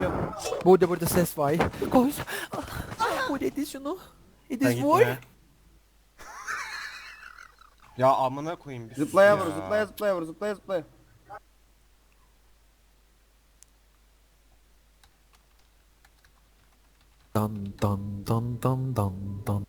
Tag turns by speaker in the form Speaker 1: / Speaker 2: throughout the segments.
Speaker 1: Burada ses var. Koş. Bu dedi şunu.
Speaker 2: Sen
Speaker 1: Edis vur.
Speaker 2: gitme. Ya amına koyayım bir sus
Speaker 3: Zıplaya
Speaker 2: ya.
Speaker 3: vur, zıplaya zıplaya vur, zıplaya zıplaya.
Speaker 1: Dan dan dan dan dan dan.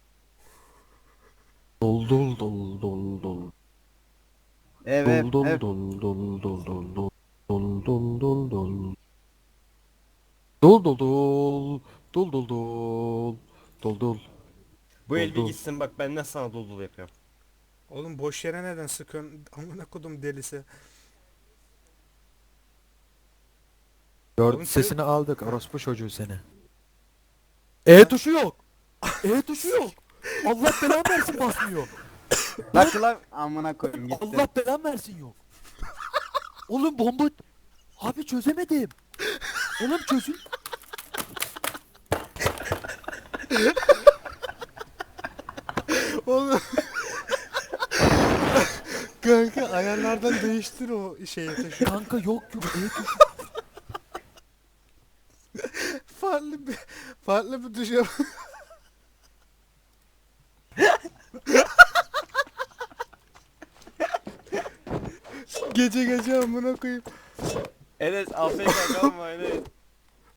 Speaker 1: Dol dol dol dol dol.
Speaker 3: Evet,
Speaker 1: Dol dol
Speaker 3: evet.
Speaker 1: dol dol dol dol dol. Dol dol dol dol. Dol dol dol. Dol dol dol. Dol dol.
Speaker 2: Bu el bir
Speaker 1: Dol.
Speaker 2: gitsin bak ben nasıl sana dolu dolu yapıyorum.
Speaker 4: Oğlum boş yere neden sıkıyorsun? Amına kodum delisi.
Speaker 1: Gördüm
Speaker 4: Oğlum
Speaker 1: sesini aldık orospu çocuğu seni. E tuşu yok. E tuşu yok. Allah belanı versin basmıyor.
Speaker 3: Lan kılav amına koyayım gitti.
Speaker 1: Allah belanı versin yok. Oğlum bomba... Abi çözemedim. Oğlum çözün.
Speaker 4: Oğlum. Kanka ayarlardan değiştir o şeyi tuşu.
Speaker 1: Kanka yok yok E tuşu.
Speaker 4: farklı bir tuş yap. Gece amına koyayım.
Speaker 2: Enes AFK kalma Enes.